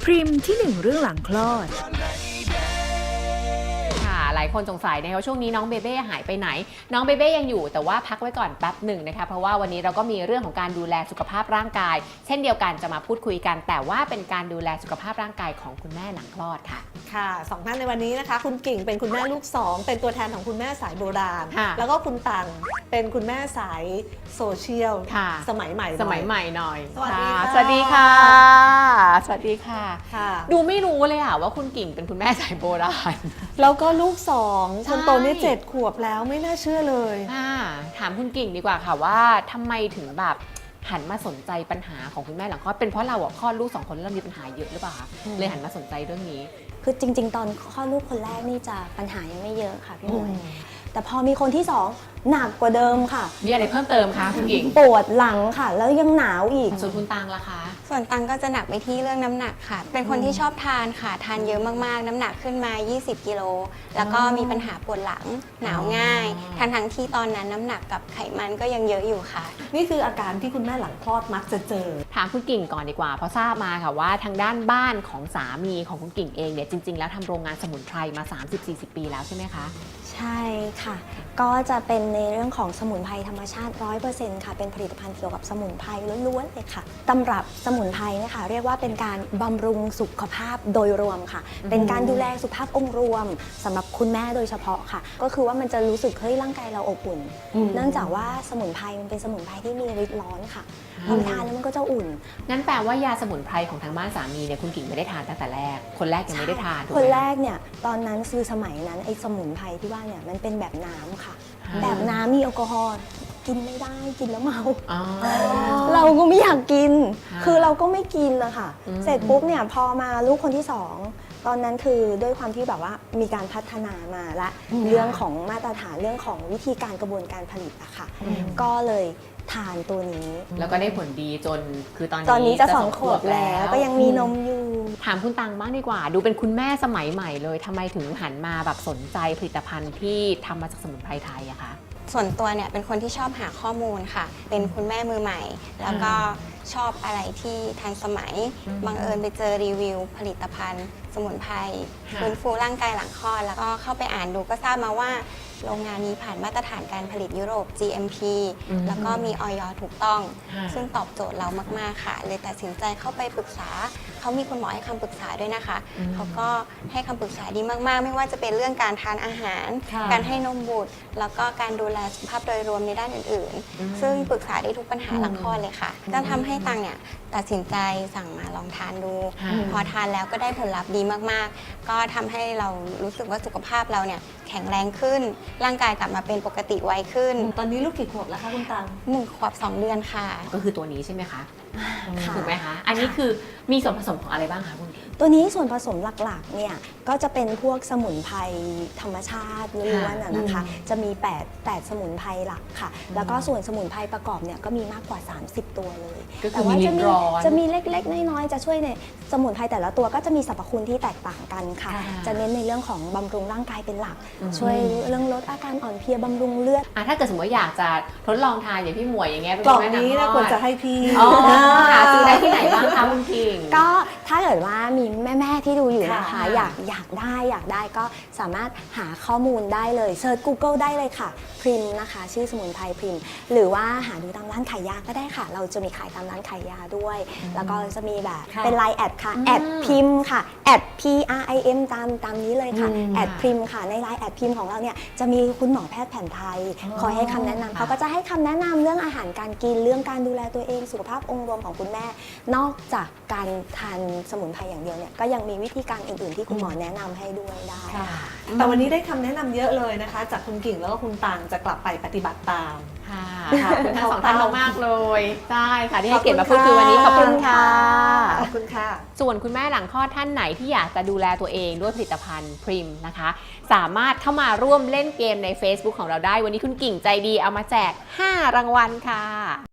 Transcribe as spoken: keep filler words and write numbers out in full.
พริมที่หนึ่งเรื่องหลังคลอดหลายคนสงสัยนะคะว่าช่วงนี้น้องเบเบ้หายไปไหนน้องเบเบ้ยังอยู่แต่ว่าพักไว้ก่อนแป๊บหนึ่งนะคะเพราะว่าวันนี้เราก็มีเรื่องของการดูแลสุขภาพร่างกายเช่นเดียวกันจะมาพูดคุยกันแต่ว่าเป็นการดูแลสุขภาพร่างกายของคุณแม่หลังคลอดค่ะค่ะสองท่านในวันนี้นะคะคุณกิ่งเป็นคุณแม่ลูกสองเป็นตัวแทนของคุณแม่สายโบราณแล้วก็คุณตังเป็นคุณแม่สายโซเชียลสมัยใหม่สมัยใหม่หน่อยสวัสดีค่ะสวัสดีค่ะสวัสดีค่ะค่ะดูไม่รู้เลยอะว่าคุณกิ่งเป็นคุณแม่สายโบราณแล้วก็ลูกสองคนโตนี่เจ็ดขวบแล้วไม่น่าเชื่อเลยถามคุณกิ่งดีกว่าค่ะว่าทำไมถึงแบบหันมาสนใจปัญหาของคุณแม่หลังคลอดเป็นเพราะเราอะคลอดลูกสองคนแล้วเรามีปัญหาเยอะหรือเปล่าคะเลยหันมาสนใจเรื่องนี้คือจริงๆตอนคลอดลูกคนแรกนี่จะปัญหายังไม่เยอะค่ะพี่หมวยแต่พอมีคนที่สองหนักกว่าเดิมค่ะมีอะไรเพิ่มเติมคะคุณกิ่งปวดหลังค่ะแล้วยังหนาวอีกส่วนคุณตังล่ะคะส่วนตังก็จะหนักไปที่เรื่องน้ำหนักค่ะเป็นคนที่ชอบทานค่ะทานเยอะมากๆน้ำหนักขึ้นมายี่สิบกิโลแล้วก็มีปัญหาปวดหลังหนาวง่ายทั้งทั้งที่ตอนนั้นน้ำหนักกับไขมันก็ยังเยอะอยู่ค่ะนี่คืออาการที่คุณแม่หลังคลอดมักจะเจอถามคุณกิ่งก่อนดีกว่าเพราะทราบมาค่ะว่าทางด้านบ้านของสามีของคุณกิ่งเองเนี่ยจริงๆแล้วทำโรงงานสมุนไพรมา สามสิบถึงสี่สิบ ปีแล้วใช่ไหมคะใช่ค่ะก็จะเป็นในเรื่องของสมุนไพรธรรมชาติ ร้อยเปอร์เซ็นต์ ค่ะเป็นผลิตภัณฑ์เกี่ยวกับสมุนไพรล้วนๆเลยค่ะตำรับสมุนไพรนะคะเรียกว่าเป็นการบำรุงสุขภาพโดยรวมค่ะเป็นการดูแลสุขภาพองค์รวมสำหรับคุณแม่โดยเฉพาะค่ะก็คือว่ามันจะรู้สึกเฮ้ยร่างกายเราอบอุ่นเนื่องจากว่าสมุนไพรมันเป็นสมุนไพรที่มีฤทธิ์ร้อนค่ะพอทานแล้วมันก็จะอุ่นงั้นแปลว่ายาสมุนไพรของทางบ้านสามีเนี่ยคุณกิ่งไม่ได้ทานตั้งแต่แรกคนแรกยังไม่ได้ทานคนแรกเนี่ยตอนนั้นคือสมัยนั้นไอ้สมุนไพรที่ว่าเนี่ยมันเป็นแบบน้ำค่ะแบบน้ำมีแอลกอฮอล์กินไม่ได้กินแล้วเมาเราก็ไม่อยากกินคือเราก็ไม่กินเลยค่ะเสร็จปุ๊บเนี่ยพอมาลูกคนที่สองตอนนั้นคือด้วยความที่แบบว่ามีการพัฒนามาละเรื่องของมาตรฐานเรื่องของวิธีการกระบวนการผลิตอะค่ะก็เลยทานตัวนี้แล้วก็ได้ผลดีจนคือตอนนี้ตอนนี้จะสองขวบแล้วก็ยังมีนมอยู่ถามคุณตังบ้างดีกว่าดูเป็นคุณแม่สมัยใหม่เลยทำไมถึงหันมาแบบสนใจผลิตภัณฑ์ที่ทำมาจากสมุนไพรไทยอะคะส่วนตัวเนี่ยเป็นคนที่ชอบหาข้อมูลค่ะเป็นคุณแม่มือใหม่แล้วก็ชอบอะไรที่ทันสมัยบังเอิญไปเจอรีวิวผลิตภัณฑ์ สมุนไพรฟื้นฟูร่างกายหลังคลอดแล้วก็เข้าไปอ่านดูก็ทราบมาว่าโรงงานนี้ผ่านมาตรฐานการผลิตยุโรป จี เอ็ม พี แล้วก็มี อย ถูกต้อง ซึ่งตอบโจทย์เรามากๆค่ะเลยตัดสินใจเข้าไปปรึกษาเขามีคุณหมอให้คำปรึกษาด้วยนะคะเขาก็ให้คำปรึกษาดีมากๆไม่ว่าจะเป็นเรื่องการทานอาหารการให้นมบุตรแล้วก็การดูแลสุขภาพโดยรวมในด้านอื่นๆซึ่งปรึกษาได้ทุกปัญหาหลังคลอดเลยค่ะก็ทำให้ตังเนี่ยตัดสินใจสั่งมาลองทานดูพอทานแล้วก็ได้ผลลัพธ์ดีมากๆก็ทำให้เรารู้สึกว่าสุขภาพเราเนี่ยแข็งแรงขึ้นร่างกายกลับมาเป็นปกติไวขึ้นตอนนี้ลูกกี่ขวบแล้วคะคุณตังหนึ่งขวบสองเดือนค่ะก็คือตัวนี้ใช่ไหมคะถูกไหมคะอันนี้คือมีส่วนผสมของอะไรบ้างคะคุณตัวนี้ส่วนผสมหลักๆเนี่ยก็จะเป็นพวกสมุนไพรธรรมชาติล้วนๆนะคะจะมีแปด แปดสมุนไพรหลักค่ะแล้วก็ส่วนสมุนไพรประกอบเนี่ยก็มีมากกว่าสามสิบตัวเลยแต่ว่าจะมีจะมีเล็กๆน้อยๆจะช่วยในสมุนไพรแต่ละตัวก็จะมีสรรพคุณที่แตกต่างกันค่ะจะเน้นในเรื่องของบำรุงร่างกายเป็นหลักช่วยเรื่องลดอาการอ่อนเพลียบำรุงเลือดถ้าเกิดสมมติอยากจะทดลองทานอย่างพี่หมวยอย่างเงี้ยกล่องนี้นะควรจะให้พี่หาซื้อได้ที่ไหนบ้างคะคุณพิงก็ถ้าเกิดว่ามีแม่ๆที่ดูอยู่นะคะอยากอยากได้อยากได้ก็สามารถหาข้อมูลได้เลยเซิร์ช Google ได้เลยค่ะพริมนะคะชื่อสมุนไพรพริมหรือว่าหาดูตามร้านขายยาก็ได้ค่ะเราจะมีขายตามร้านขายยาด้วยแล้วก็จะมีแบบเป็นไลน์แอดค่ะแอดพิมค่ะแอด พี อาร์ ไอ เอ็ม ตามตามนี้เลยค่ะแอดพริมค่ะในไลน์แอดพิมของเราเนี่ยจะมีคุณหมอแพทย์แผนไทยคอยให้คำแนะนำเขาก็จะให้คำแนะนำเรื่องอาหารการกินเรื่องการดูแลตัวเองสุขภาพองค์รวมของคุณแม่นอกจากการทานสมุนไพรอย่างเดียวเนี่ยก็ยังมีวิธีการอื่นๆที่คุณหมอแนะนำให้ด้วยได้แต่วันนี้ได้คำแนะนำเยอะเลยนะคะจากคุณกิ่งแล้วก็คุณตังจะกลับไปปฏิบัติตามค่ะขอบคุณทั้งสองท่านมากเลยใช่ค่ะที่ให้เกียรติมาพูดคุยวันนี้ขอบคุณค่ะขอบคุณค่ะส่วนคุณแม่หลังคลอดท่านไหนที่อยากจะดูแลตัวเองด้วยผลิตภัณฑ์พริมนะคะสามารถเข้ามาร่วมเล่นเกมใน Facebook ของเราได้วันนี้คุณกิ่งใจดีเอามาแจกห้ารางวัลค่ะ